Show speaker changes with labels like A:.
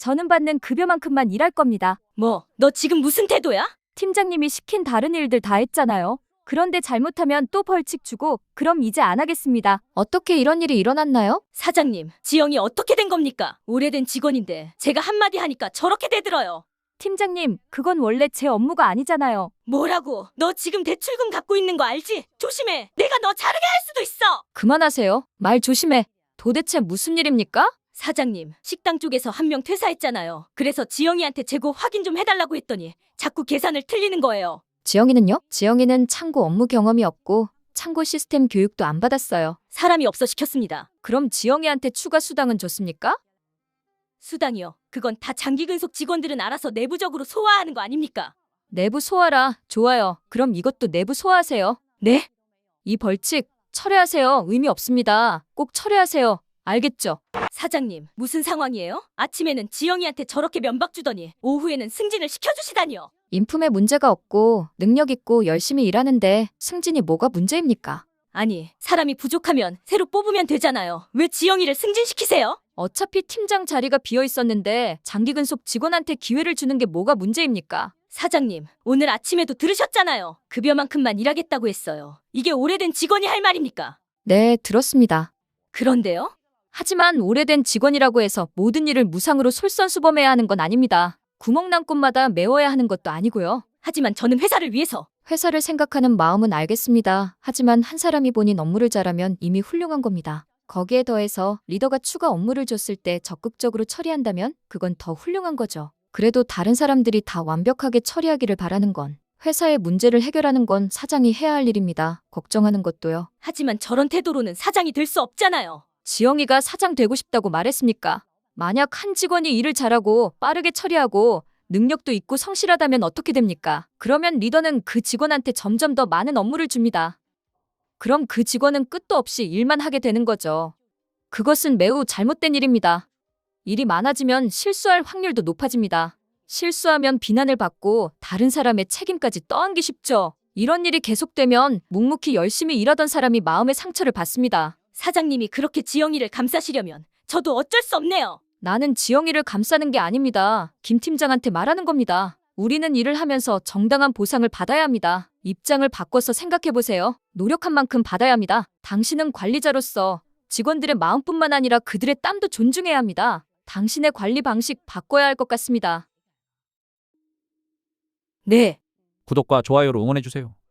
A: 저는 받는 급여만큼만 일할 겁니다.
B: 뭐, 너 지금 무슨 태도야?
A: 팀장님이 시킨 다른 일들 다 했잖아요. 그런데 잘못하면 또 벌칙 주고 그럼 이제 안 하겠습니다.
C: 어떻게 이런 일이 일어났나요?
B: 사장님, 지영이 어떻게 된 겁니까? 오래된 직원인데 제가 한마디 하니까 저렇게 대들어요.
A: 팀장님, 그건 원래 제 업무가 아니잖아요.
B: 뭐라고? 너 지금 대출금 갖고 있는 거 알지? 조심해. 내가 너 자르게 할 수도 있어.
C: 그만하세요. 말 조심해. 도대체 무슨 일입니까?
B: 사장님, 식당 쪽에서 한 명 퇴사했잖아요. 그래서 지영이한테 재고 확인 좀 해달라고 했더니 자꾸 계산을 틀리는 거예요.
C: 지영이는요? 지영이는 창고 업무 경험이 없고 창고 시스템 교육도 안 받았어요.
B: 사람이 없어 시켰습니다.
C: 그럼 지영이한테 추가 수당은 줬습니까?
B: 수당이요. 그건 다 장기근속 직원들은 알아서 내부적으로 소화하는 거 아닙니까?
C: 내부 소화라. 좋아요. 그럼 이것도 내부 소화하세요.
B: 네?
C: 이 벌칙 철회하세요. 의미 없습니다. 꼭 철회하세요. 알겠죠?
B: 사장님, 무슨 상황이에요? 아침에는 지영이한테 저렇게 면박 주더니 오후에는 승진을 시켜주시다니요.
C: 인품에 문제가 없고 능력 있고 열심히 일하는데 승진이 뭐가 문제입니까?
B: 아니, 사람이 부족하면 새로 뽑으면 되잖아요. 왜 지영이를 승진시키세요?
C: 어차피 팀장 자리가 비어 있었는데 장기근속 직원한테 기회를 주는 게 뭐가 문제입니까?
B: 사장님, 오늘 아침에도 들으셨잖아요. 급여만큼만 일하겠다고 했어요. 이게 오래된 직원이 할 말입니까?
C: 네, 들었습니다.
B: 그런데요?
C: 하지만 오래된 직원이라고 해서 모든 일을 무상으로 솔선수범해야 하는 건 아닙니다. 구멍난 꽃마다 메워야 하는 것도 아니고요.
B: 하지만 저는 회사를 위해서.
C: 회사를 생각하는 마음은 알겠습니다. 하지만 한 사람이 본인 업무를 잘하면 이미 훌륭한 겁니다. 거기에 더해서 리더가 추가 업무를 줬을 때 적극적으로 처리한다면 그건 더 훌륭한 거죠. 그래도 다른 사람들이 다 완벽하게 처리하기를 바라는 건 회사의 문제를 해결하는 건 사장이 해야 할 일입니다. 걱정하는 것도요.
B: 하지만 저런 태도로는 사장이 될 수 없잖아요.
C: 지영이가 사장 되고 싶다고 말했습니까? 만약 한 직원이 일을 잘하고 빠르게 처리하고 능력도 있고 성실하다면 어떻게 됩니까? 그러면 리더는 그 직원한테 점점 더 많은 업무를 줍니다. 그럼 그 직원은 끝도 없이 일만 하게 되는 거죠. 그것은 매우 잘못된 일입니다. 일이 많아지면 실수할 확률도 높아집니다. 실수하면 비난을 받고 다른 사람의 책임까지 떠안기 쉽죠. 이런 일이 계속되면 묵묵히 열심히 일하던 사람이 마음의 상처를 받습니다.
B: 사장님이 그렇게 지영이를 감싸시려면 저도 어쩔 수 없네요.
C: 나는 지영이를 감싸는 게 아닙니다. 김 팀장한테 말하는 겁니다. 우리는 일을 하면서 정당한 보상을 받아야 합니다. 입장을 바꿔서 생각해보세요. 노력한 만큼 받아야 합니다. 당신은 관리자로서 직원들의 마음뿐만 아니라 그들의 땀도 존중해야 합니다. 당신의 관리 방식 바꿔야 할 것 같습니다.
B: 네.
D: 구독과 좋아요로 응원해주세요.